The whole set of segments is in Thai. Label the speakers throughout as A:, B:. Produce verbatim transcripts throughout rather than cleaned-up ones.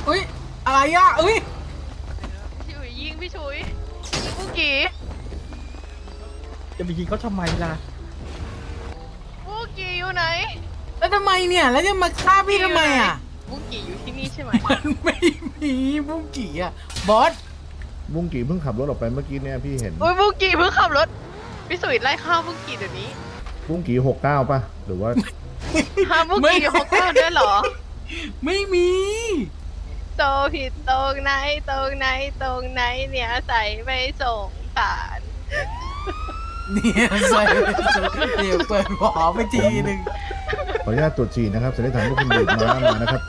A: อุ้ยอะไรอ่ะอุ้ย
B: พี่ฉุยยิงพี่ฉุยบุ้งกี่
C: จะไปยิงเขาทำไมล่ะ
B: บุ้งกี่อยู่ไหน
A: แล้วทำไมเนี่ยแล้วจะมาฆ่าพี่ทำไมอ่ะ
B: บุ้งกี่อยู่ที่นี่ใช่ไหม
A: มันไม่มีบุ้งกี่อ่ะบอส
D: บุ้งกี่เพิ่งขับรถออกไปเมื่อกี้เนี่ยพี่เห็น
B: โอ้ยบุ้งกี่เพิ่งขับรถพี่ฉุยไล่ฆ่าบุ้งกี่เดี๋ยวนี้
D: บุ้งกี่หกเก้าป่ะหรือว่า
B: หาบุ้งกี่หกเก้าด้วยเหรอ
A: ไม่มี
B: โตผิดตรงไหนตรงไหนตรงไหนเนี่ยใส่ไม่ส่งสาร
A: เนี่ยใส่เดี๋ยวเปิดหัวไปทีหนึ่ง
D: ขออนุญาตตรวจฉี่นะครับสันนิษฐานว่าคุณดื่มน้ำมานะครับ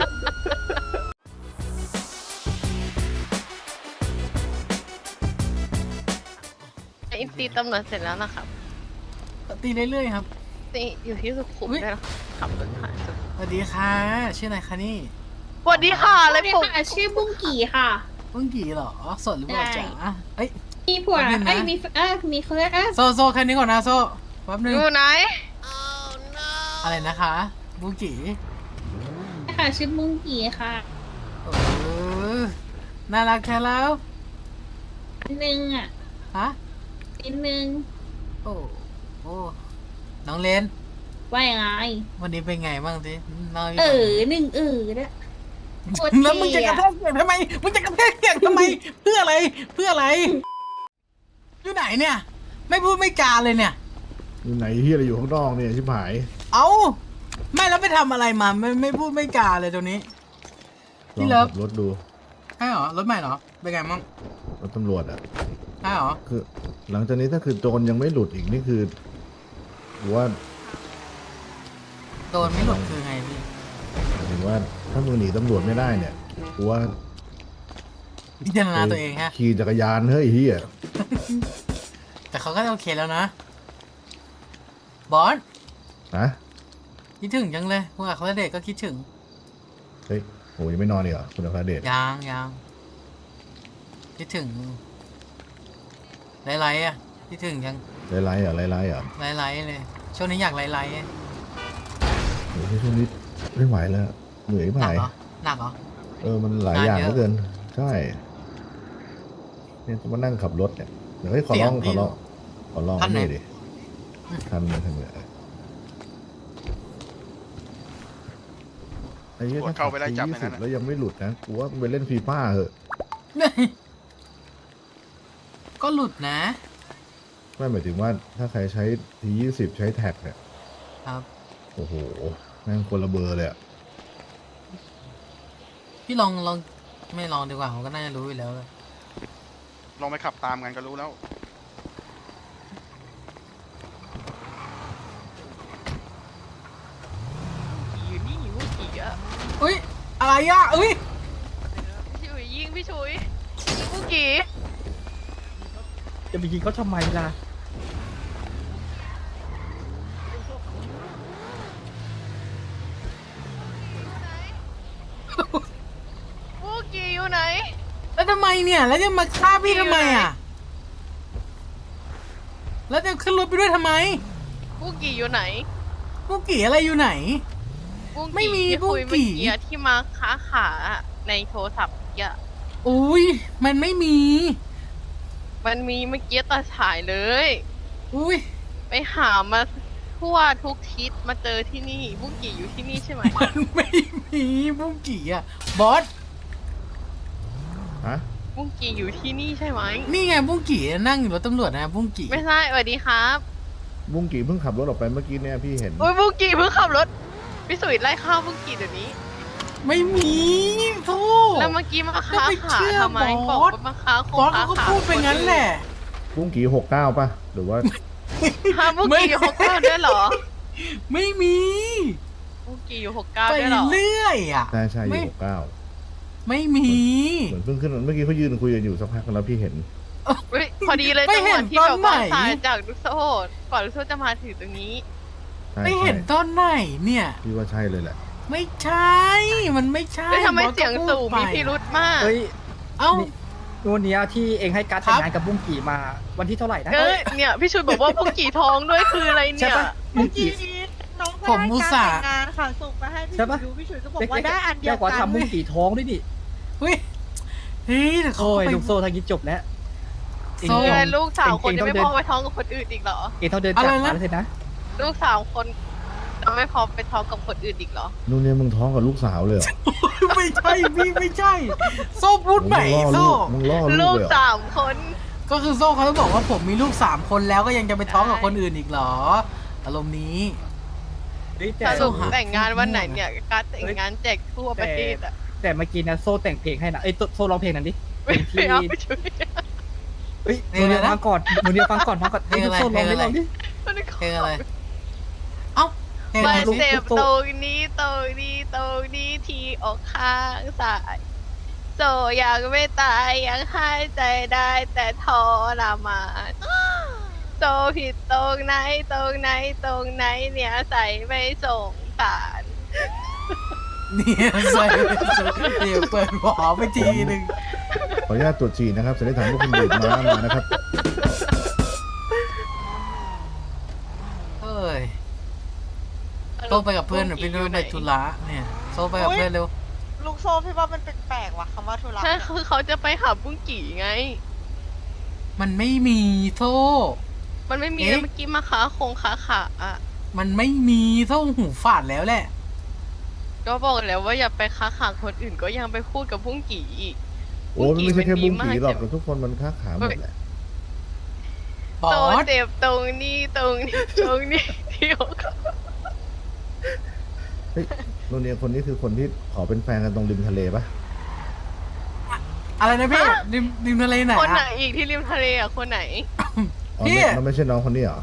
B: อินตีตำรวจเสร็จแล้วนะครับ
A: ตีเรื่อยๆครับ
B: ตีอยู่ที่สุขุมได้แล้วขับรถผ่านสุขุม
A: สวัสดีค่ะชื่ออะไรคะนี่
B: สวัสดีค่ะเลยผม
E: ชื่อบุ้งกี่ค่ะ
A: บุ้งกี่เหรอสดหรือเปล่าจ๊ะเอ้ย
E: มีผัวเอ้ยมีเออมีเขาเรียกเออ
A: โซโซแค่นี้ก่อนนะโซแป๊บนึง
B: อยู่ไหน
A: อะไรนะคะบุ้งกี่
E: ค่ะชื่อบุ้งกี่ค่ะ
A: เออน่ารักแค่แล้ว
E: นิดนึงอ่ะ
A: ฮะ
E: นิดนึง
A: โอ้โอ้น้องเลน
E: ว่ายังไง
A: วันนี้เป็นไงบ้างสิ
E: เออหนึ่งเออเนี่ย
A: แล้วมึงจะกระแทกเสียงทำไมมึงจะกระแทกเสียงทำไมเพื่ออะไรเพื่ออะไรอยู่ไหนเนี่ยไม่พูดไม่จาเลยเนี่ย
D: อยู่ไหนที่อะไรอยู่ข้างนอกเนี่ยชิบหาย
A: เอ้าไม่แล้วไปทำอะไรมาไม่ไม่พูดไม่จาเลยตัวนี้
D: พี่เลิฟรถดู
A: ใช่หรอรถใหม่เหรอเป็นไงมั่ง
D: รถตำรวจอ่ะ
A: ใช่หรอ
D: คือหลังจากนี้ถ้าคือโจรยังไม่หลุดอีกนี่คือว่า
A: โดนไม่หลุดคือไงพี่
D: หรือว่าถ้ามึงหนีตำรวจไม่ได้เนี่ยกูว่า
A: พิจารณาตัวเองฮะ
D: ขี่จักรยานเฮ้ยเฮีย
A: แต่เขาก็โอเคแล้วนะบอส
D: ฮะ
A: คิดถึงจังเลยคุณอัครเดชก็คิดถึง
D: เฮ้ยโหยังไม่นอนอีกเหรอคุณอัครเดช
A: ยังยังคิดถึงไล่ๆอ่ะคิดถึงยัง
D: ไล่ๆอ่ะไล่ๆอ่ะ
A: ไล่ๆเลยช่วงนี้อยากไล่ๆ
D: โอ้ยช่วงนี้ไม่ไหวแล้วเหนื่อยไป
A: หนักเหรอหนักเหรอ
D: เออมันหลายอย่างเหลือเกินใช่เนี่ยจะมานั่งขับรถเนี่ยเดี๋ยวให้ขอร้องขอร้องขอร้องนี่ดิทันเลยทันเลยไอ้เหี้ยถ้าเข้าไปได้จับอย่างนั้นแล้วยังไม่หลุดนะกูว่าไปเล่นฟีฟ่าเหอะ
A: ก็หลุดนะ
D: ไม่หมายถึงว่าถ้าใครใช้ทียี่สิบใช้แท็กเนี่ย
A: ครับ
D: โอ้โหแม่งคนละเบอร์เลยอะ
A: พี่ลองลองไม่ลองดีกว่าผมก็น่าจะรู้อยู่แล้วเลย
F: ลองไปขับตามกันก็รู้แล้ว
B: อยู่นี่บุ้งกี่อ่ะ
A: อุ้ยอะไรอ่ะอุ้ย
B: พี่ฉุยยิงพี่ฉุยบุ้งกี่
C: จะไปยิงเขาทำไมล่ะ
B: บุ้งกี่อยู่ไหน
A: แล้วทำไมเนี่ยแล้วจะมาฆ่าพี่ทำไมอ่ะแล้วจะขึ้นรถไปด้วยทำไม
B: บุ้งกี่อยู่ไหน
A: บุ้งกี่อะไรอยู่ไหนไม่มีบุ้งกี่
B: ที่มาค้าขาในโทรศัพท์เยอะ
A: อุ้ยมันไม่มี
B: มันมีเมื่อกี้ตาฉายเลย
A: อุ้ย
B: ไปหามาทั่วทุกทิศมาเจอที่นี่บุ้งกี่อยู่ที่นี่ใช่ไหม
A: มันไม่มีบุ้งกี่อ่ะบอส
D: ฮะ
B: บุ้งกี่อยู่ที่นี่ใช่ไหม
A: นี่ไงบุ้งกี่นั่งอยู่รถตำรวจนะบุ้งกี่
B: ไม่ใช่สวัสดีครับ
D: บุ้งกี่เพิ่งขับรถออกไปเมื่อกี้เนี่ยพี่เห็น
B: โอ้ยบุ้งกี่เพิ่งขับรถพี่สุยไล่ฆ่าบุ้งกี่เดี๋ยวนี้
A: ไม่มีทู
B: แล้วเมื่อกี้มาค้าขาทำไมบอกว่ามาค้า
A: บอสเขาก็พูดไปงั้นแหละ
D: บุ้งกี่หกเก้าป่ะหรือว่า
B: ฮาบุ้งกี่หกเก้าด้วยเหรอ
A: ไม่มี
B: บุ้งกี่อยู่หกเก้าด้วยเหรอ
A: ไปเรื่อยอ่ะ
D: ใช่ใช่อยู่หกเก้า
A: ไม่มี
D: เหมือนเพิ่งขึ้นเมื่อกี้เขายืนคุยกันอยู่สักพักแล้วพี่เห็น
B: พอดีเลยจังหวะที่แบบว่าสายจากลูกโซ่ก่อนลูกโซ่จะมาถึงตรงนี้
A: ไม่เห็นตอนไหนเนี่ย
D: พี่ว่าใช่เลยแหละ
A: ไม่ใช่มันไม่ใช่
B: ทำไมเสียงสูงมีพิรุธมาก
C: เฮ้ย
A: เอ้า
C: วันนี้ที่เองให้การแต่งงานกับบุ้งกี่มาวันที่เท่าไหร่นะ
B: เออเนี่ยพี่ชุยบอกว่าบุ้งกี่ท้องด้วยคืออะไรเนี่ย
C: บุ้งกี่
G: น้องก็ได้การแต่งงานค่ะส่งมาให้พี่ชุยดูพี่ชุยก็บอกว่าได้อันเดียวกัน
C: แกกว่าทำบุ้งกี่ท้องด้วยดิ
A: เฮ้ยเฮ้ยแต่เขา
C: โอ้ย
A: ไป
C: ลูกโซ่ทางนี้จบแล้ว
A: โซ่
B: เออลูกสาวคน
C: เอง
B: จะ
C: ต้อง
B: ไม่
C: เดิน
B: พอไปท้องกับคนอื่นอีกเหรอ
C: เองต้องเดิน
A: อะไร
C: จาก
A: นะ
C: มาแล้วสินะ
B: ลูกสาวคนจะไม่พอไปท้องกับคนอื่นอีกเหรอ
D: นู่นเนี่ยมึงท้องกับลูกสาวเลยเหรอ
A: ไม่ใช่พี่ไม่ใช่ โซ่พูดใหม่
D: มึงล่อ
A: โซ่
D: ลูกมึงล่อลู
B: ลู
D: ก
B: ก
D: เลยเหรอ
B: สามคน
A: ก็คือโซ่เขาต้องบอกว่าผมมีลูกสามคนแล้วก็ยังจะไปท้องกับคนอื่นอีกเหรอ อารมณ์นี้
C: เฮ้ย
B: ส
C: แต่
B: รุปแต่งงานวันไหนเนี่ยการแต่งงานแจกทั่วประเทศอ่ะ
C: แต่เมื่อกี้นะโซ่แต่งเพลงให้นะเอ้ยโซ่ร้องเพลงนั้นดิ
B: ไม่
C: เพลง
B: เอา
C: ที่
B: ไปช่วย
C: เฮ้ยหนูเดียวฟังก่อนหนูเดียวฟังก่อนฟังก่อน
A: เพลงอะไร
C: โซ่ร้อง
A: เพลงอะไร
C: ดิลองดิ
A: เพลงอะไร เอ้าเพลงอะ
B: มา
A: ไร
C: ลูก
B: เจ็บ
C: ลูก
B: ตรงนี้ตรงนี้ตรงนี้ที่อกข้างซ้ายโซยังไม่ตายยังหายใจได้แต่ทรมานโซผิดตรงไหนตรงไหนตรงไหนเนี่ยใส่ไม่ส่งสาร
A: เนี่ยใส่เดี๋ยวเปิดหัวไปทีหนึ่ง
D: ขออนุญาตตรวจฉี่นะครับจะได้ถามว่าคุณดื่มน้ำมานะครับ
A: เอ้ยโซ่ไปกับเพื่อนหรือพี่นุ้ยไปธุระเนี่ยโซ่ไปกับเพื่อนเร็ว
G: ลูกโซ่พี่ว่ามันแปลกๆว่ะคำว่าธุระ
B: ใช่คือเขาจะไปหาบุ้งกี่ไง
A: มันไม่มีโซ่
B: มันไม่มี
A: เอ๊ะ
B: เมื่อกี้มาค้าคงค้าขาอ่ะ
A: มันไม่มีโซ่หูฝาดแล้วแหละ
B: ก็บอกแล้วว่าอย่าไปค้าขาคนอื่นก็ยังไปพูดกับบุ้งกี่อีก
D: โอ้ยมันไม่ใช่แค่บุ้งผีหรอก
B: บุ้งกี่มันดีมาก
D: แต่ทุกคนมันค้าขาหมดแหละ
A: บอ
B: โต
A: ส
B: เจ็บตรงนี้ตรงนี้ตรงนี้ที่อก
D: เฮ้ยนู่นเนี่ยคนนี้คือคนที่ขอเป็นแฟนกันตรงริมทะเลปะ
A: อะไรนะพี่ริมริมทะเลไหน
B: คนไหน
A: อะ
B: อีกที่ริมทะเลอ่ะคนไหน
D: อ๋อ
A: พี่
D: ไม่มันไม่ใช่น้องคนนี้เหรอ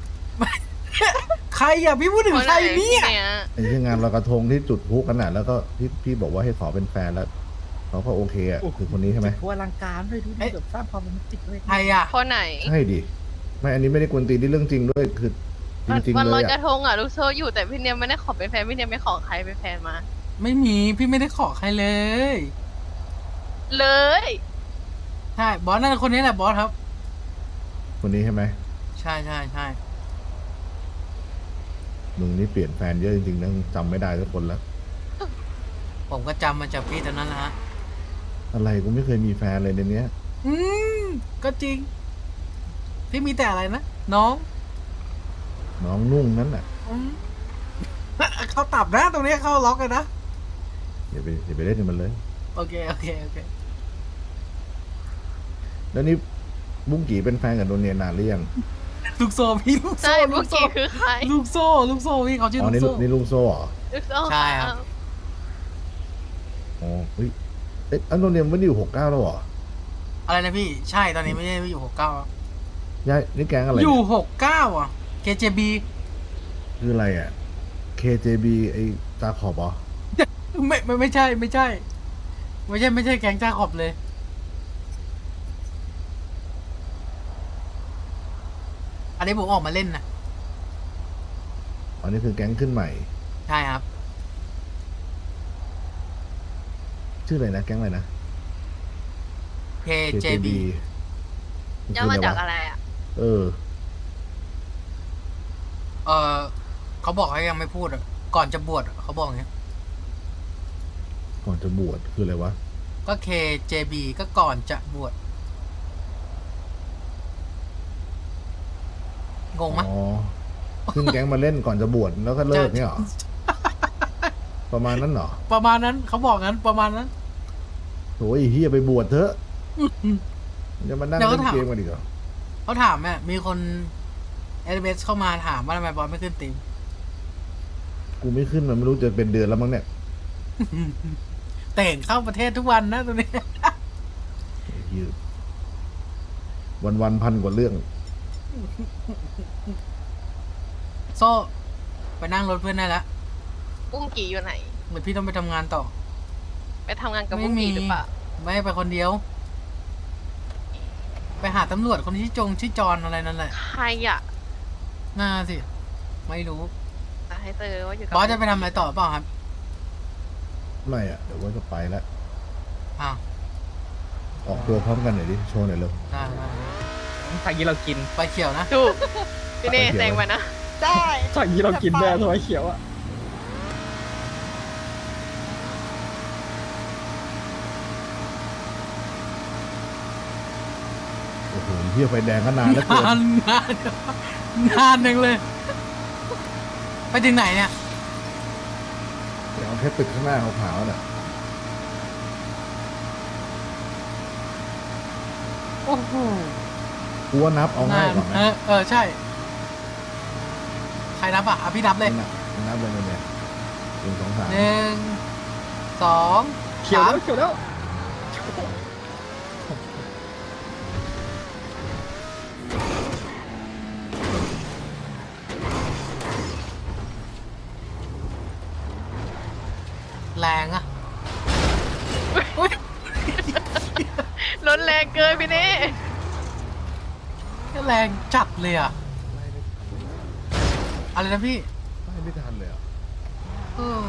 A: ใครอ่ะพี่พูดถึง
B: คน
A: ใค
B: ไห
A: ร
B: น
A: เนี่ย
B: เนี่ย
D: ไอ้ที่งานลอยกระทงที่จุดพลุกันน่ะแล้วก็พี่พี่บอกว่าให้ขอเป็นแฟนแล้วเขาก็โอเคอ่ะคือคนนี้ใช่ไหม
C: ทัวร์ลังการด้วยดูดิแบบสร้างความโรแมนติกด้วย
A: ใครอ่ะ
B: คนไหน
D: ใช่ดิไม่อันนี้ไม่ได้กวนตีนที่เรื่องจริงด้วยคือจริง
B: วัน
D: ๆ
B: ล
D: เล
B: อย
D: ย
B: กระ
D: อ่ะ
B: ทงอ่ะลูกโซ่อยู่แต่พี่เนียมไม่ได้ขอเป็นแฟนพี่เนียมไม่ขอใครเป็นแฟนมา
A: ไม่มีพี่ไม่ได้ขอใครเลย
B: เลย
A: ใช่บอสนั่นคนนี้แหละบอสครับ
D: คนนี้ใช่ไหม
A: ใช่ใช่ใช่
D: มึงนี่เปลี่ยนแฟนเยอะจริงๆนะจำไม่ได้ทุกคนแล้ว
A: ผมก็จำมาจากพี่ตอนนั้นแหละฮะ
D: อะไรกูไม่เคยมีแฟนเลยในเนี้ย
A: อืมก็จริง พี่มีแต่อะไรนะน้อง
D: น้องนุ่งนั้นน่ะ
A: อืมเขาตับนะตรงนี้เขาล็อกเลยนะ
D: อย่าไปอย่าไปเล่นกับมันเลย
A: โอเคโอเคโอเค
D: แล้วนี่บุ้งกี่เป็นแฟนกับโดนเนียนานหรือยัง
A: ลูกโซ่พี่ลูก
B: ใช่
A: โซ่
B: บุ
A: ลู
B: ก
A: กโซ่
B: กี้คือใคร
A: ลูกโซ่ลูกโซ่พี่เขาชื่อ
D: อ๋อ
A: ลูก
D: นี่
A: โซ่
D: นี่ลุงโซ่เหรอ
B: ลูกโซ่
A: ใช่ครับ
D: อ๋อเฮ้ยเอ๊ะอันโดนเนียนไม่ได้อยู่หกเก้าแล้วเหรอ
A: อะไรนะพี่ใช่ตอนนี้ไม่ได้อยู่หกเก้า
D: ย้ายนี่แก๊งอะไร
A: อ
D: เนี่ย
A: ยู่หกเก้าอ่ะ เค เจ บี
D: คืออะไรอ่ะ เค เจ บี ไอ้ตาขอบเหรอ
A: ไม่ไม่ไม่ใช่ไม่ใช่ ไม่ใช่ไม่ใช่แก๊งจ้าขอบเลย อันนี้ผมออกมาเล่นนะ
D: อันนี้คือแก๊งขึ้นใหม่
A: ใช่ครับ
D: ชื่ออะไรนะ แก๊งอะไรนะ
A: เค เจ บี
D: มัน
B: ย่อ
D: คือ
B: มา
D: อะไร
B: จาก
D: วะ
B: อะไรอ่ะ
D: เออ
A: เออเขาบอกให้ยังไม่พูดอ่ะ ก่อนจะบวชอะเขาบอกอย่างเงี้ย
D: ก่อนจะบวชคืออะไรวะ
A: ก็ เค เจ บี ก็ก่อนจะบวช งงไหม
D: อ๋อ ขึ้นแก๊งมาเล่นก่อนจะบวชแล้วก็เลิกเนี่ยเหรอ ประมาณนั้นเหรอ
A: ประมาณนั้นเขาบอกงั้นประมาณนั้น
D: โอ้ยเฮียไปบวชเถอะจะมานั่ง
A: เดี๋ยว
D: เล่
A: ก็
D: น
A: ถาม
D: เกมกันอีกเหรอ
A: เขาถามเนี่ยมีคนเอเเข้ามาถามว่าทำไมบอลไม่ขึ้นตีม
D: กูไม่ขึ้นมันไม่รู้จะเป็นเดือนแล้วมั้งเนี่ย
A: แต่เห็นเข้าประเทศทุกวันนะตรงนี้
D: วันวันๆพันกว่าเรื่อง
A: โซ่ไปนั่งรถเพื่อนได้แล้ว
B: บุ้งกี่อยู่ไหน
A: เหมือนพี่ต้องไปทำงานต่อ
B: ไปทำงานกับบุ้งกี่หรือเปล่า
A: ไม่ไปคนเดียว ไปหาตำรวจคนที่จงชื่อจอนอะไรนั่นแหละ
B: ใครอ่ะ
A: น่าสิ ไม่รู้
B: จะให้เจอว่าอยู่กับบ
A: อสจะไปทำอะไรต่อเปล่าครับ
D: ไม่อ่ะ เดี๋ยวว่าจะไปแล้ว
A: อ้าว
D: ออกตัวพร้อมกันหน่อยดิ โชว์หน่อยเร็ว
A: ได้ได้
C: ทางนี้เรากิน
A: ไปเขียวนะ
B: ถูกพี่เน่
D: ไปเขียว
B: แซงมานะ
G: ได้
C: ทางนี้เรากินแน่ทำไมเขียวอ่ะ
D: เฮียไฟแดงก็นานแล้วเกิน
A: นานนานนานหนึ่งเลย ไปถึงไหนเนี่ย
D: เดี๋ยวเอาแค่ตึกข้างหน้าขาวๆน่ะ
A: โอ้โห
D: กูว่านับเอาง่ายกว่าไหม
A: เออเออใช่ ใครนับอ่ะอ่ะพี่นับเลย
D: นับนับเลยเนี่ยหนึ่งสองสาม
A: หนึ่งสอง
C: เขียว
A: สาม
C: แล้วเขียวแล้ว
A: แรงอ่ะอุ๊ย
B: รถแรงเกินพี่นี่
A: แรงจัดเลยอ่ะ อะไรนะพี่
D: ไม่ไม่ทันเลยอ่ะ
A: เออ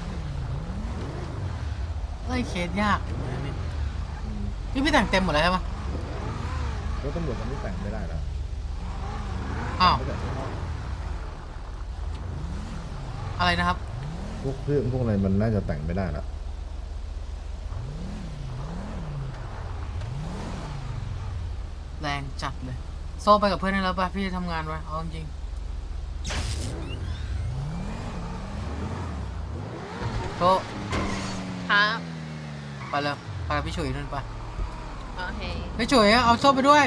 A: ไล่เคสยากนี่พี่แต่งเต็มหมดแล้วใช่ปะ
D: รถตำรวจมันไม่แต่งไม่ได้แล้ว
A: อ้าว
D: ไม่แต่งข้างนอก
A: อะไรนะครับ
D: พวกเครื่องพวกอะไรมันน่าจะแต่งไม่ได้แล้ว
A: แรงจัดเลย โซ่ไปกับเพื่อนได้แล้วป่ะพี่ทำงานไว้เอาจริงโซ่
B: ครับ
A: ไปเลยไปกับพี่ฉุยนั่นไป
B: โอเค
A: พี่ฉุยเอาโซ่ไปด้วย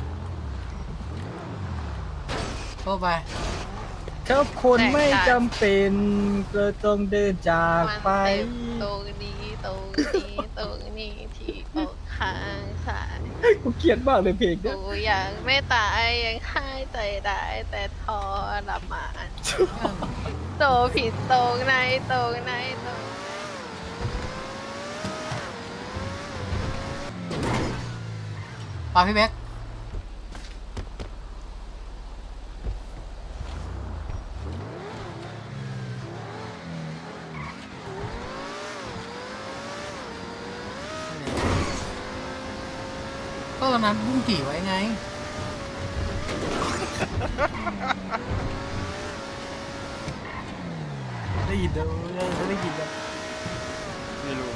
A: โซ่ไป
C: ครับคนไม่จำเป็นก็ต้องเดินจากไป
B: มันเต็มตรงนี้ตรงนี้ตรงนี้ที่อกข้างซ้าย
C: กูเกลียดมากเลยเพลงเนี่ย
B: กูยังไม่ตายยังหายใจได้แต่ทรมานโตผิดตรงไหนตรงไหนตรง
A: ปาพี่เบ๊กก็ตอนนั้นบุ้งกี่ไว้ไง ได้ยินเด้อได้ยินเด้อ
F: ไม่รู้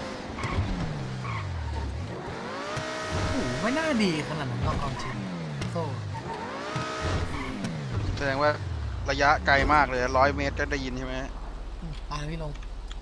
A: โอ้โหไม่น่าดีขนาดนั้นหรอกเอาจริงโซ่
F: แสดงว่าระยะไกลมากเลยร้อยเมตรก็ได้ยินใช่ไหม
A: ไปพี่ลง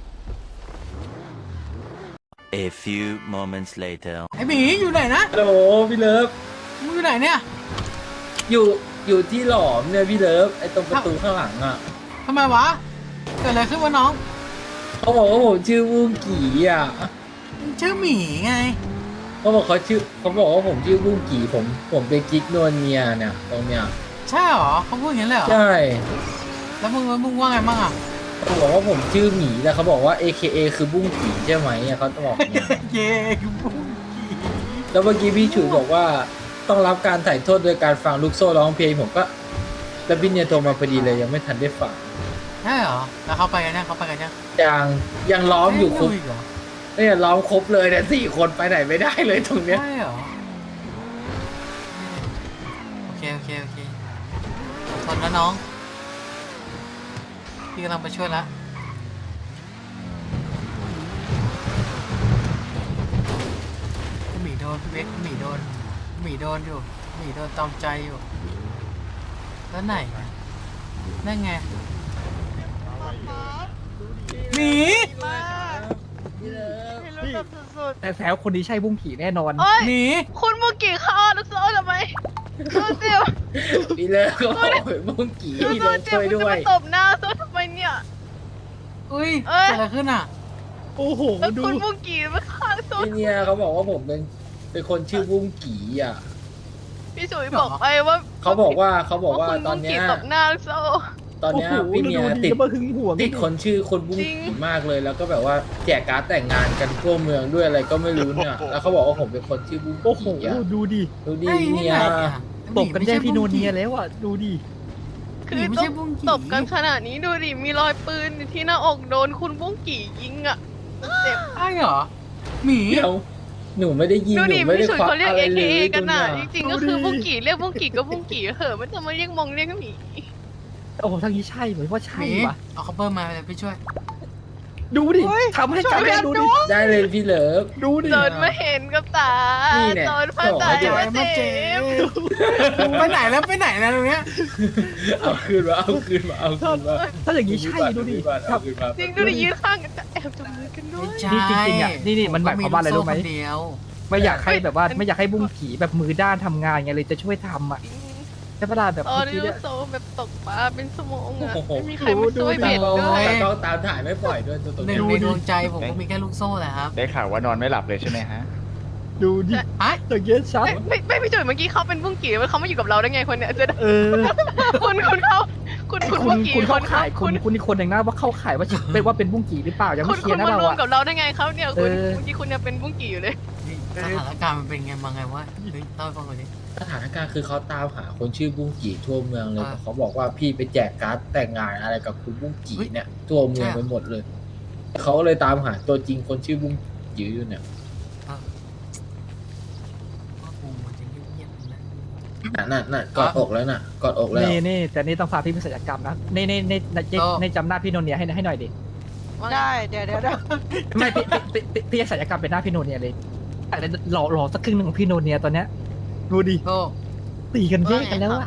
H: A few moments later.
A: ไอหมีอยู่ไหนนะ
C: ฮัลโหลพี่เลิฟ
A: มึงอยู่ไหนเนี่ย
C: อยู่อยู่ที่หลอมเนี่ยพี่เลิฟไอ้ตรงประตูข้างหลังอ่ะ
A: ทำไมวะ เกิดอะไรขึ้นวะน้อง
C: เขาบอกว่าผมชื่อบุ้งกี่อ่ะ
A: มึงชื่อหมีไง
C: เขาบอกเขาชื่อเขาบอกว่าผมชื่อบุ้งกี่ผมผมเป็นกิ๊กนวลเนียเนี่ยตรงเนี้ย
A: ใช่เหรอเขาพูดอย่างนี้เลยเหรอ
C: ใช่
A: แล้วมึงมึงว่าไงบ้างอ่ะ
C: เขาบอกว่าผมชื่อหมีแต่เขาบอกว่า เอ เค เอ คือบุ้งกี่ใช่ไหมอะเขาจะบอกเนี่ย
A: เย้บุ้งกี่
C: แล้วเมื่อกี้พี่ฉุยบอกว่าต้องรับการถ่ายโทษโดยการฟังลูกโซ่ร้องเพลงผมก็แล้วพี่เนี่ยโทรมาพอดีเลยยังไม่ทันได้ฟัง
A: ใช่เหรอ แล้วเขาไปกันยังเขาไปกันยัง
C: ยังยังล้อมอยู่ครบ
A: ไม่รู้อีกเหรอ
C: เนี่ยล้อมครบเลยเนี่ยสี่คนไปไหนไม่ได้เลยตรงเนี้ย
A: ใช่เหรอ โอเค โอเค โอเคทนนะน้อง พี่กำลังไปช่วยละหมีโดนพี่เบ๊กหมีโดนหมีโดนอยู่หมีโดนตอมใจอยู่ แล้วไหนอะนั่นไงหมี
G: มากพี่รู้แบบสุด
C: แต่แซวคนนี้ใช่บุ้งกี่แน่นอน
B: โอ้ย
A: หมี
B: คุณมุกี้เข้าลูกโซ่ทำไมลูกเดียว
C: พี่เลิฟก็บอกบุ้งกี่
B: ลูก
C: พี่
B: โซ่
C: เลิฟ
B: เจ็บ
C: ช่วย
B: คุณ
C: ด้
B: จะ
C: วย
B: มาตบหน้าโซ่ทำไมเนี่ย
A: อุ้ย
B: เอ้ย
A: เกิดอะไรขึ้นอ่ะ
C: โอ้โห
B: แล้ว
C: ดู
B: คุณมุกี้มาข้างโซ่
C: พี่เนี่ยเขาบอกว่าผมเป็นเป็นคนชื่อบุ้งกี่อ่ะ
B: พี่สุยบอกไปว่า
C: เขาบอกว่าเขาบอกว่า
B: คุณ
C: ตอน
B: มุ
C: เนี้
B: กี้
C: ย
B: ตบหน้าลูกโซ่
C: ตอนเนี้ยพี่เนี่ยติดติดคนชื่อคนบุ้งกี่มากเลย แล้วก็แบบว่าแจกการ์ดแต่งงานกันทั่วเมืองด้วยอะไรก็ไม่รู้เนี่ยแล้วเขาบอกว่าผมเป็นคนชื่อบุ้ง
I: โอ้โห
C: กี่อ่ะ
I: ดูดิ
C: ดูดิ
A: ไอ้
C: เนี่ย
A: ไงอะ
I: ตบกันแย่พี่โนเนีย
A: เลย
I: แล้วอ่ะ ดูดิ
B: คือ
A: ไม่
B: ต
A: ใช่
B: บ
A: บุ้งกี่
B: ตบกันขนาดนี้ดูดิมีรอยปืนอยู่ที่หน้าอกโดนคุณบุ้งกี่ยิงอ่ะเจ็บ
A: ใช่เหรอหมี
C: เดี๋ยวหนูไม่ได้ยิง
B: ดู
C: หนู
B: ดิ
C: ไม่ได้
B: พี่สุย
C: ควัก
B: เขาเรียก
C: อะไร
B: เอ
C: เล
B: เค
C: ย
B: กันน่ะ
C: ดู
B: จ
C: เย
B: ริงๆก็คือบุ้งกี่เรียกบุ้งกี่ก็บุ้งกี่เหอะมันจะมาเรียกมองเรียกหมี
I: โอ้โหทางนี้ใช่เหมือนว่า
A: ห
I: ใช่
A: มี
I: ว่ะ
A: เอาคัพเปอร์มาเลยพี่ช่วย
I: ดูดิทำให้กันได้ดูดิ
C: ได้เลยพี่เลิฟ
I: ดูดิ
B: จนมาเห็นกับตา
C: นี่แน่
B: จนพาใจ
C: บอกให้
B: มา
A: มา
B: เจ็
A: เจ็
B: บบ
A: ไปไหนแล้วไปไหนนะตรงเนี้ย
C: เอาคืนมาเอาคืนมาเอาคืนมา
I: ถ้าอย่างนี้ใช่ดูดิ
C: เอาคืนมา
B: จริงดูดิยืนข้างกันจะแอบจับมือกันด้วย
A: ใช่
I: นี่จริงๆอ่ะนี่นี่มันหมายความว่าอะไรรู้ไหม
A: ผก็ลูกโซ่คนเดียว
I: ไม่อยากให้แบบว่าไม่อยากให้บุ้งกี่แบบมือด้านทำงานไงเลยจะช่วยทำอ่ะใช่ปะล่ะแบบ
B: ตอ
I: เมื่
B: น
I: อกี้
B: นี้
I: เนี่ย
B: โซแบบตกปลาเป็นสมองอ่ะไม่มีใครมาช่วยเบ็ด
C: โอ้
B: ด้วย
C: ยต้องตามถ่ายไม่ปล่อยด้วยตัวตัว
A: หนึ่
C: เนี้
A: ง
C: ย
A: ในดวงใจผมก็มีแค่ลูกโซ่แหละครับ
J: ได้ข่าวว่านอนไม่หลับเลยใช่ไหมฮะ
I: ดูดิ
A: ไอ้
I: อย่างเงี้ยชัด
B: ไม่ไม่ไม่พี่จุ๋ยเมื่อกี้เขาเป็นบุ้งกี่เขามาอยู่กับเราได้ไงคนเนี้ยจะ
I: เออ
B: คุณคุณเขาคุณคุณ
I: คุ
B: บุ้
I: ณ
B: งกี่
I: คุณเข้า
B: คน
I: ข่ายคุณคุณอีกคนหนึ่งนะว่าเข้าข่ายว่าเป็นว่าเป็นบุ้งกี่หรือเปล่ายัง
B: คุ
I: ไม่
B: ณ
I: เคลี
B: คุ
I: ย
B: ณ
I: ร์นะ
B: มา
I: เรา
B: รวม
I: อะ
B: กับเราได้ไงเขาเนี่ยคุณ
I: เออ
B: เมื่อกี้คุณยังเป็นบุ้งกี่อยู่เลย
A: สถานการณ์มันเป็นไงมาไงวะเฮ้ยเล่าให้ฟังหน่อยดิ
C: สถานการณ์คือเขาตามหาคนชื่อบุ้งกี่ทั่วเมืองเลย
A: อ่า
C: เขาบอกว่าพี่ไปแจกการ์ดแต่งงานอะไรกับคุณบุ้งกี่เนี่ยทั่วเมืองไปหมดเลยเขาเลยตามหาตัวจริงคนชื่อบุ้งกี่อยู่เนี่ย
A: ว่ากูมันจะเงียบๆนะ
C: น่ะน่ะน่ะกอดอกแล้วน่ะกอดอกแล้ว
I: นี่นี่แต่นี่ต้องพาพี่ไปศัลยกรรมนะนี่นี่นี่ในในจำหน้าพี่โนเนียให้ให้หน่อยดิ
G: ได้เดี๋ยวเดี๋ยวเดี๋ยว
I: ไม่พี่พี่พี่พี่จะศัลยกรรมเป็นหน้าพี่โนเนียเลยแต่หล่อหล่อสักครึ่งหนึ่งของพี่โนเนียตอนเนี้ยดูดิ
A: โซ่
I: ตีกันแยกกันแล้วอะ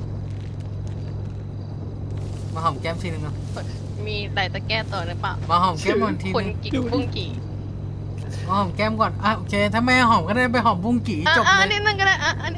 A: มาหอมแก้มทีนึงเนาะ
B: มีอะไรจะแก้ตัวหรือเปล่า
A: มาหอมแก้มก่อนที
B: คุณ
A: นึง
B: กี่บุ้งกี่
A: มาหอมแก้มก่อนอ่ะโอเคถ้าไม่หอมก็ได้ไปหอมบุ้งกี่
B: อ่ะ
A: จบ
B: อ่ะ
A: เล
B: อัน
A: ย
B: นี้นั่นก็ได้อ่ะอันนี้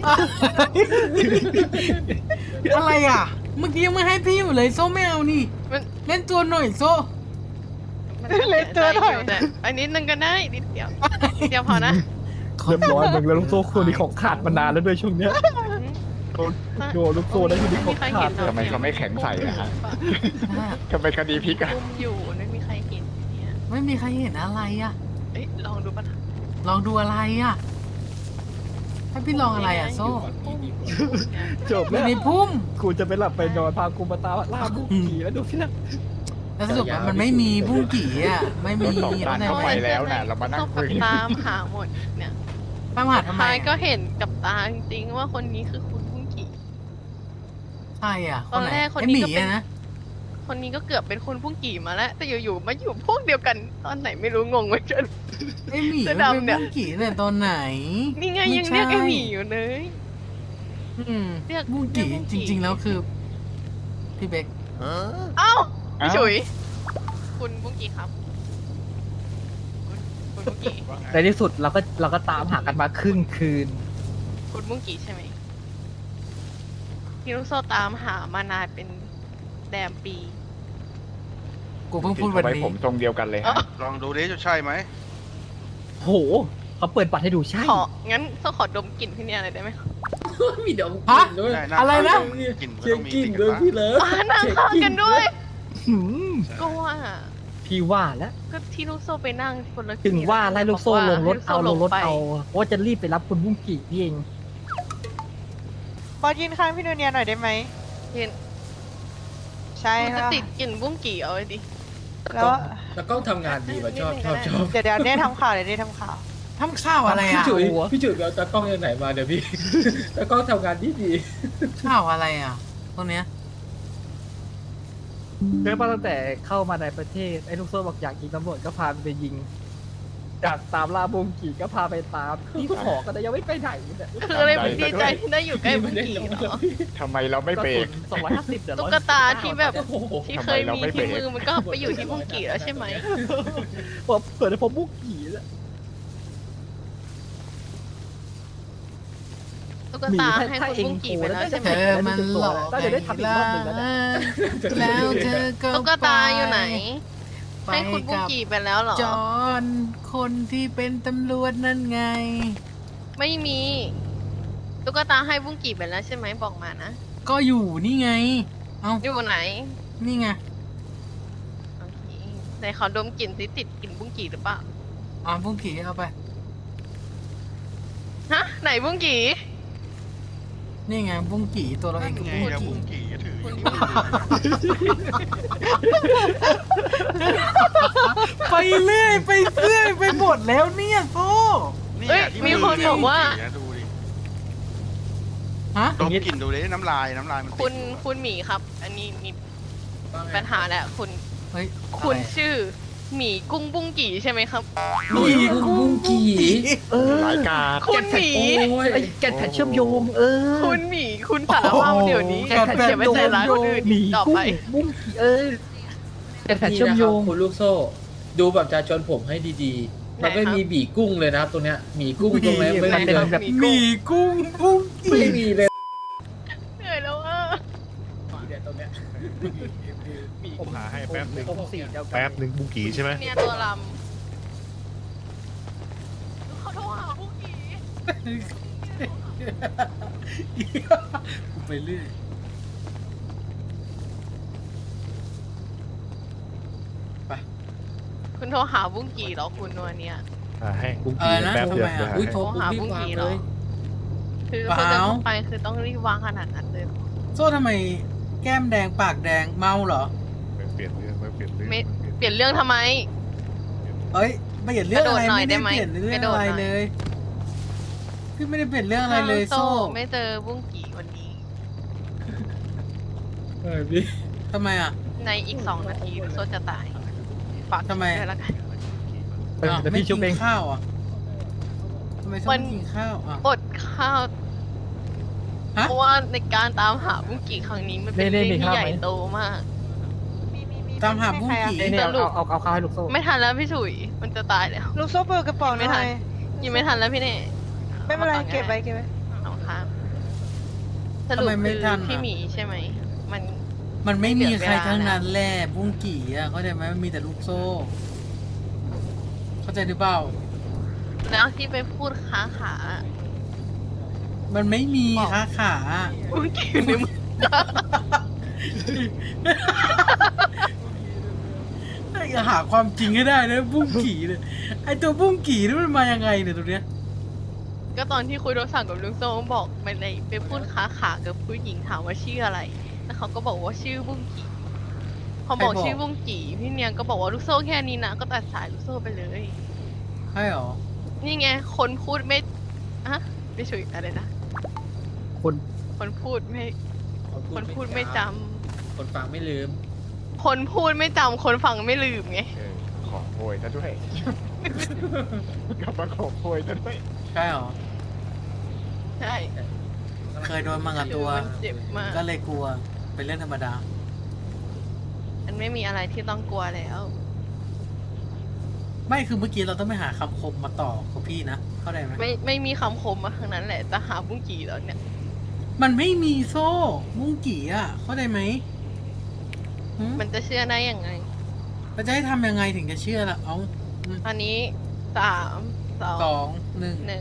A: อะไรอ่ะ เมื่อกี้ยังไม่ให้พี่อยู่เลยโซ่ไม่เอานี่
B: มัน
A: เล่นตัวหน่อยโซ่
B: เล่นตัวหน่อยแต่อันนี้นึงก็ได้นิดเดียวนิดเดียวพอนะ
I: เรียบร้อยมึงแล้วลูกโซ่คนนี้ของขาดมานานแล้วด้วยช่วงเนี้ยโดนโดนลูกโซ่ได้ทีนี้ของขาด
J: ทำไมเขาไม่แข็งใส่อะฮะ ทำไมคดีพลิกอะ
B: อุ้มอยู่ไม่มีใครเห็นเนี่ย
A: ไม่มีใครเห็นอะไรอ่ะ
B: เอ้ยลองดูปะนะ
A: ลองดูอะไรอ่ะ ให้พี่ลองอะไรอ่ะโซ่
I: จบ
A: อ
I: แล้ว
A: ยู่ในพุ่ม
I: กูจะไปหลับไปนอนพากูมาตาล่าบุ้งกี่แล้วดูพี่นะ
A: แล้วสรุปว่ามันไม่มีบุ้งกี่อ่ะ ไม่มี
J: รถสองตา
A: อะไร
J: เข้าไป
A: วะ
J: แล้วน่ะเรามานั่งคุย
B: ตามหาหมดเนี่ย
A: ป้าหาทำไม
B: ท้ายก็
A: อ่ะ
B: เห็นกับตาจริงๆว่าคนนี้คือคุณบุ้งกี่
A: ใช่อ่ะ
B: ตอนแรกคน
A: ไอ้
B: นี้
A: หมี
B: ก็เป็น
A: อะนะ
B: คนนี้ก็เกือบเป็นคุณบุ้งกี่มาแล้ว แต่อยู่ๆมาอยู่พวกเดียวกันตอนไหนไม่รู้งงเหมือนกัน
A: ไอ้หมี
B: เสื้
A: มั
B: อน
A: เป็น
B: ดำเนี่ย
A: บุ้งกี่เนี่ยตอนไหน
B: นี่ไง
A: ไม่
B: ยังเรียกไอ้
A: ใช่
B: หมีอยู่เลย
A: อืม
B: เรียก
A: บุ้งกี่
B: เรียกบุ้ง
A: จ
B: กี่
A: ริง ๆ แล้วคือ พี่เบค
B: เอ้า
J: เอ้า
B: พี่ฉุย คุณบุ้งกี่ครับ คุณคุณบุ้งกี่
I: ในที่สุดเราก็เราก็ตามหากันมาครึ่งคืน
B: คุณบุ้งกี่ใช่ไหมพี่ลูกโซตามหามานานเป็นแดมปี
A: กูเพิ่งพูดวัน
J: ทำไม
A: นี้
J: ผมทรงเดียวกันเลยฮะ
F: ลองดูดิจะใช่ไหม
I: โหเขาเปิดบัตรให้ดูใช่
B: ขอ งั้นโซขอดมกลิ่นพี่เนี่ยอะไรได้ไหม
C: มีดอก
A: ฮะ
C: ด้วย
F: ได้
A: อะไรนะ
F: กลิ่นมัน
C: เช็
F: ต้
C: ค
F: องมี
C: กิ้ง
F: ติด
C: ด้วย
F: กัน
C: พี่เลิฟ
B: อ่านั่งข้างกันด้วย
I: หืม
B: ก็ว่า
I: พี่ว่าแล้ว
B: ก็ที่ลูกโซไปนั่งคนละ
I: ถึงว่าไล่ลูกโซ่ลงรถเอาลงรถ
B: ไป
I: เอาว่าจะรีบไปรับคุณบุ้งกี่นี่เอง
G: บอสยืนข้างพี่นูเนียหน่อยได้ไหม
B: เห็น
G: ใช่
B: มันจะ
G: ค่ะ
B: ติดกลิ่นบุ้งกี่เอาไว้ดิ
G: แล้ว
C: แล้วกล้องทำงานดีว่ะชอบชอบชอบ
G: เดี๋ยวเดี๋ยวเนี่ยทำข่าวเดี๋ยวเนี่ยทำข่าว
A: ทำข้าวอะไร
C: พี่
A: อ่ะ
C: จุ๋ยพี่จุ๋ยไปเอาตากล้องจากไหนมาเดี๋ยวพี่ ตากล้องทำงานดีดี
A: ข้าวอะไรอ่ะตรงเนี้ย
I: เริ่มมาตั้งแต่เข้ามาในประเทศไอ้ลูกโซ่บอกอยากยิงตำรวจก็พาไปยิงอยากตามล่าบุ้งกี่ก็พาไปตามนี่ขอกันแต่ยังไม่ไปไหนเนี่ย
B: คืออะไรมันดีใจที่ได้อยู่ใกล้บุ้งกี่เหรอ
J: ทำไมเราไม่เบรก
I: สองร้อยห้าสิบเดี๋ยว
B: ตุ๊กตาที่แบบ
C: โอ้โห
B: ที่เคยมีที่มือมันก็ไปอยู่ที่บุ้งกี่แล้วใช่ไหม
I: พอเปิดให้พอบุ้งกี่แล้ว
B: ตุ๊กตาให้คุณบุ้งกี่ไปแล้วใช่ไหม
A: เธอมันหลอก
I: ก็จะได้ทำอีกรอบหนึ่งแล้วเนี่ย
A: แล้วเธอก็
B: ตุ๊กตาอยู่ไหน
A: ไป
B: ให้คุณบุ้ง
A: กับ
B: กี่ไปแล้วเหรอ
A: จอนคนที่เป็นตำรวจนั่นไง
B: ไม่มี ตุ๊กตาให้บุ้งกี่ไปแล้วใช่ไหมบอกมานะ
A: ก็อยู่นี่ไง เอ้า
B: อยู่ไหน
A: นี่ไง
B: โอเคไหนขอดมกลิ่นสิติดกลิ่นบุ้งกี่หรือเปล่า
A: อ่าบุ้งกี่เอาไป
B: ฮะไหนบุ้งกี่
A: นี่ไงบุ้งกี่ตัวเราเองคือ
F: ไง
A: บุ้ง
F: อะ
A: กี่
F: บุ้งกี่ก็ถืออยู่
A: ไปเรื่อยไปเรื่อยไปหมดแล้วเนี่ยโซ่
F: นี่
B: เอ้ย
F: ที่
B: มีคนบอกว่า
F: บุ้งกี่นะดูดิ
A: ฮะ
F: ดมกลิ่นดูดิน้ำลายน้ำลายมันติด
B: คุณ
F: อยู่
B: คุณหมีครับ อันนี้มีปัญหาแหละคุณ
A: เฮ้ย
B: คุณ
A: อะไร
B: ชื่อหมีกุ้งบุ้งกี่ใช่ไหมครับ
C: มีกุ้งกี่
I: เออ
J: หลายกาด
B: คุณหมี
C: โอ้ย
I: ไอ้แกนแผ่นเชื่อมโยง เออ
B: คุณหมีคุณสารภาพเดี๋ยวนี้
I: แกนแผ่น
B: เขี
I: เชื่
B: ย
I: อน ม
B: ไม่
I: โยง
B: ใส่ร้ายคนอื่น
I: หมี
B: ต่อ
I: กุ้
B: ไป
I: งบุ้งกี่เอ้ยแกนแผ่นเชื่อมโยง
C: นี่นะครับคุณลูกโซ่ ดูแบบประชาชนผมให้ดีๆ มันไม่มีบีกุ้งเลยนะครับตรงเนี้ยหมีกุ้งตรงนี้ไม่มีเลย
I: แบบ
A: หมีกุ้งบุ้งกี่
C: ไม่มีเลย
B: เหนื่อยแล้วอ่ะ
C: เนี่ยตรงเนี้ย
J: ผมหาให้แป๊บหนึ่ง
I: ผมสีเดียวกัน
J: แป๊บหนึ่งบุงกีใช่ไหม
B: เนี่ยตัวลำเขาโทรหาบุ้งกี่
A: กูไปเรื่อย
B: คุณโทรหาบุ้งกี่เหรอคุณวันเนี้ย
J: หาให้บุง
A: อะ
J: กี
A: ไรนะ
J: แป๊บ
A: ทำ
J: เดียว
A: ไม
J: เดี๋ยว
A: อ่ะ
J: หา
C: อุ้ย
J: ให้
C: โทรปุ๊บรีบวางเลย
B: คือ
A: เปล่า
B: คุณจะต้องไปคือต้องรีบวางขนาดนั้นเลยเหรอ
A: โซ่ทำไมแก้มแดงปากแดงเมาเหรอ
J: ไม่เปลี่ยนเรื่องไม่เปลี่ยนเรื่อง
B: ไม่
J: ไม่
B: เปลี่ยนเรื่องทำไม
A: เอ้ยไม่เห็นเรื่องอะไร
B: กระโดดหน่อย
A: ไม่
B: ได้
A: ได้
B: ไหม
A: เปลี่ยนเรื่อง
B: กระโดด
A: อะไร
B: หน่อย
A: เลยพี่ไม่ได้เปลี่ยนเรื่องอะไรเลยโซ่
B: ไม่เจอบุ้งกี่วันนี้
C: เออพี่
A: ทำไมอ่ะ
B: ในอีกสองนาทีลูกโซจะตายฝาก
A: ทำไม
B: ด้วยละกัน
I: เออ
A: อ้าว
I: เดี๋ยว
A: ไม่
I: พี่ชุบ
A: กิ
I: เอง
A: นข้าวอ่ะทำไมโซ่
B: มัน
A: ไม่กินข้าวอ่ะ
B: อดข้าว
A: ฮะ
B: เพราะว่าในการตามหาบุ้งกี่ครั้งนี้มันเป็น
I: นี่
B: เรื่อง
I: นี่
B: ที่
I: มีข้าว
B: ใหญ่
I: ไหม
B: โตมาก
A: ตามหาบุ้งกี่
I: นี่นี่เอาเอาเอาเอาข้าวให้ลูกโซ่
B: ไม่ทันแล้วพี่ฉุย มันจะตายแล้ว
G: ลูกโซ่เปิดกระเป๋าห
B: ไม่
G: น่
B: ทั
G: อน ย
B: ยังไม่ทันแล้วพี่เน่
G: ไม่เป็นไร
B: อาา
G: เก็บไว้เก็บไว้
B: เอาครับสรุป
A: ทำไมไม่
B: คือ
A: ทันอะ
B: พี่หมีใช่ไหม มัน
A: มันไม่มีใคร
B: เปลี่ยนเวลา
A: ทั้งนั้นแหละบุ้งกี่อ่ะเข้าใจไหมมันมีแต่ลูกโซ่ เข้าใจหรือเปล่า
B: แล้วที่ไปพูดค้าขา
A: มันไม่มี
B: บอก
A: ค้าขา
B: บุ้งกี่อยู่ในมือ
A: อย่าหาความจริงให้ได้นะบุ้งกี่เนี่ยไอตัวบุ้งกี่นี่มันมายังไงเนี่ยตัวเนี้ย
B: ก็ตอนที่คุยโทรศัพท์กับลุงโซ่บอกไปเลยไปพูดค้าขากับผู้หญิงถามว่าชื่ออะไร แล้วเขาก็บอกว่าชื่อบุ้งกี่พอบอกชื่อบุ้งกี่พี่เนียงก็บอกว่าลูกโซ่แค่นี้นะก็ตัดสายลูกโซ่ไปเลย
A: ใช่หรอ
B: นี่ไงคนพูดไม่อะไม่ช่วยอะไรนะ
I: คน
B: คนพูดไม่ คนพูดไม่จำ
C: คนฟังไม่ลืม
B: คนพูดไม่จำคนฟังไม่ลืมไง
J: เออขอโพยซะด้วย กลับมาขอโพยซะด้วย
A: ใช่หรอ
B: ใช่
A: เคยโดนมากับตัว
B: มันเจ็บมาก
A: ก็เลยกลัว เป็นเรื่องธรรมดา
B: มันไม่มีอะไรที่ต้องกลัวแล้ว
A: ไม่คือเมื่อกี้เราต้องไปหาคำคมมาต่อกับพี่นะ เข้าใจไหม
B: ไม่ไม่มีคำคมมาทางนั้นแหละแต่หาบุ้งกี่แล้วเนี่ย
A: มันไม่มีโซ่บุ้งกี่อ่ะ เข้าใจไหมหืม
B: มันจะเชื่อได้ยังไง
A: เราจะให้ทำยังไงถึงจะเชื่อล่ะ เอา
B: ตอนนี้สามสอง
A: สองหนึ่ง
B: หนึ่ง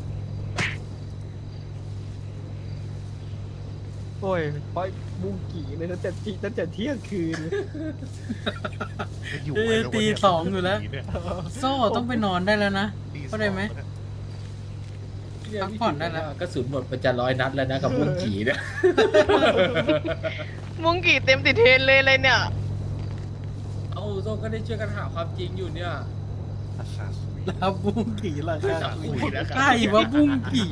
I: โอ้ยปล่อยบุ้งกี่เลยตั้งแต่ตีตั้งแต่เที่ยงคืน
J: ไม่อยู่
A: เออ
J: แล้ว
A: ตี
J: วันเนี้ย
A: สองอยู่แล้ว
J: เนี่ย
A: โซ่ต้องไปนอนได้แล้วนะ
J: ตีสอง
A: เข้าใจไหม พักผ่อนได้แล้ว
C: กระสุนหมดไปจะร้อยนัดแล้วนะกับบุ้งกี่เนี่ย
B: บุ้งกี่เต็มติดเทรนเลยเลยเนี่ย
C: เอาโซ่ก็ได้ช่วยกันหาความจริงอยู่เนี่ย
J: อาซาซุย
A: แล้วบุ้งกี่ล่ะครับ
C: จะคุยนะครับ
A: ใช่ว่าบุ้งกี่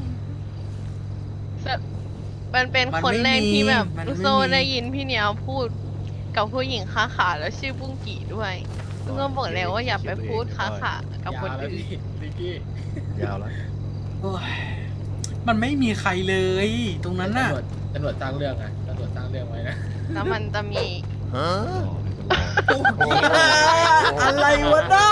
B: มันเป็น
A: มัน
B: คน
A: ไม่
B: แรกที่แบบ
A: มีมัน
B: ลูก
A: ไม่
B: โซ่
A: มี
B: ได้ยินพี่เหนียวพูดกับผู้หญิงค้าขาแล้วชื่อบุ้งกี่ด้วยลูกโซ่บอกแล้วว่าอย่าไปพูดค้าขากับคน
C: ยาวแล้ว
B: อื่น
C: พี่นิกกี้
J: ยาวแล้ว
A: โอ้ยมันไม่มีใครเลย ตรงนั้นน่ะ
C: ตำรวจตำรวจสร้างเรื่องไงตำรวจสร้างเรื่องไว้นะ
B: แล้วมันจะมี
A: อะไรวะน้า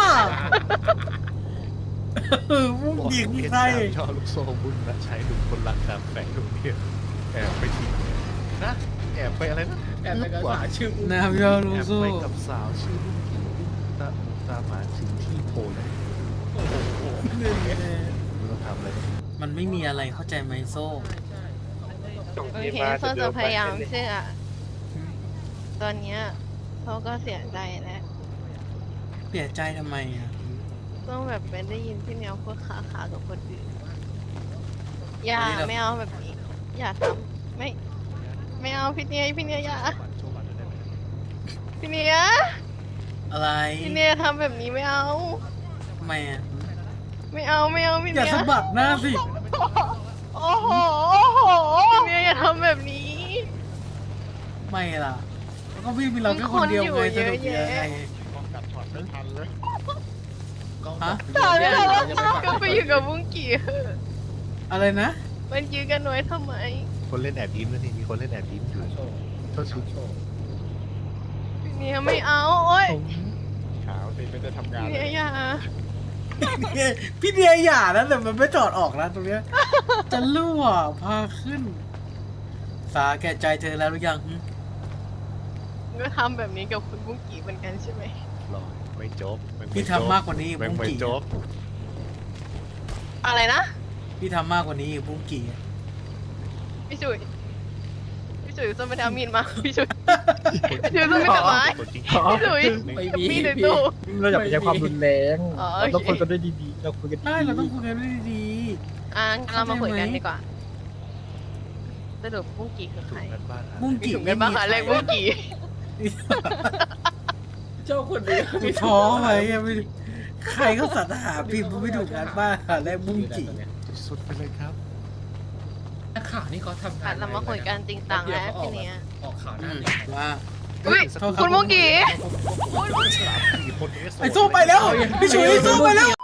A: เออบุ้งกี่คือใคร
J: ชอบลูกโซ่บุญและใช้ลุงคนรักการแฝงลูกเนี่ยแอบไปทิ้งนะแอบไปอะไรนะ
C: แอบไปกระสาชื่อบุ้ง
A: น้ำยอลู
J: แอบ
A: โซ่
J: ไปกับสาวชื่อลูกกินตาตามหาถึงที่โพลเลยไม่ต้องทำอะไร
A: มันไม่มีอะไรเข้าใจไหมโซ่
B: โอเคโซ่จะพยายามเชื่อตอนเนี้ยเขาก็เสียใจแล้ว
A: เสียใจทำไมอ่ะ
B: ต้องแบบไปได้ยินพี่เหนียวพูดค้าขากับคนอื่นอย่าไม่เอาแบบนี้ อย่าทำไม่ ไม่เอาพี่เนียพี่เนียอย่าพี่เนีย
A: อะไร
B: พี่เนียทำแบบนี้ไม่เอา
A: ทำไมอ่ะ
B: ไม่เอาไม่เอาพี่
A: อ
B: เนี
A: ย่าย สะบัดหน้าสิ
G: โอ้โห โอ้โห
B: พี่เนียอย่าทำแบบนี้
A: ไม่ล่ะแล้วก็พี่มีเราแค่คนเดียว
B: มันคนอยู่
A: ไงสนุก
B: เยอะ
A: ยังไง
B: แยะ
J: ป้องกันช็อตทันเลย
C: กล้อง
A: ฮะ
B: ถาม
C: เนี่
B: เนี่ย ย
C: เรา
B: ว่า
C: จะไปฟัง
B: ก็ไปอยู่กับบุ้งกี่เถอะ
A: อะไรนะ
B: มันยืนกันน้อยทำไม
J: คนเล่นแอบยิ้มแล้วนี่มีคนเล่นแอบยิ้มอยู่
C: โชว์
J: โทษที
C: โชว์
B: เนี่ยไม่เอาโอ๊ย
J: ขาวสิไม่ได้ทำงานเล
B: เนี่ย
J: ย
B: อย่า
A: พี่เดียอย่านะแต่มันไม่ถอดออกนะตรงเนี้ย จะรั่วพาขึ้น สาแก่ใจเธอแล้วหรือยังหึ
B: ก็ทำแบบนี้กับคุณบุ้งกี่เหมือนกันใช่ไหม
J: รอไม่จบนไ
A: พี่ทำมากกว่านี้
J: แม่ง
A: บุ้ง
J: ไม่
A: กี่
J: จบ
B: อะไรนะ
A: พี่ทำมากกว่านี้บุ้งกี่
B: พี่จุ๋ยพี่จุ๋ยจะไม่ได้เอามีดมาพี่จุ๋ยพี่จุ๋ยจะไม่ทำร้าย
J: คนจริง
B: พี่จุ๋ย
C: ไม่
B: กับ
C: มี
B: มีดใน
C: พี่
B: ตู้
I: เราอย่าไปใช้ความรุนแรง
B: อ๋อโอเค
I: เราคุยกันด้วยดีๆเราคุยกันดี
A: ใช่เราต้องคุยกันด้วยดี
B: อ่ะงั้นเรามาคุยกันดีกว่าสรุปบุ้งกี่คือใคร
J: กันบ้าน
A: ๆบุ้ง
B: มี
A: กี่
B: ถุงกันบ้างหาเลขบุ้งกี่
C: เจ้าคนนี้
A: มีท้อไว้ยังไม่ใครเขาสรรหาพิมพ์ไม่ถูกกันบ้างหาแรกบุ้งกี่
J: สุดไปเลยครับ
C: นักข่าวนี่เขาทำงา
B: อ่ะ
C: น
B: เรามาคุยกันจริงจังแล้วทีเนี้ย
C: ออกข่าวห
A: อื
C: น้าม หนึ่ง
A: ว่า
B: อุ้ยคุณบุ้งกี่
J: สี่คนนี้
A: ไอ้โซ่ไปแล้วพี่ฉุยโซ่ไปแล้ว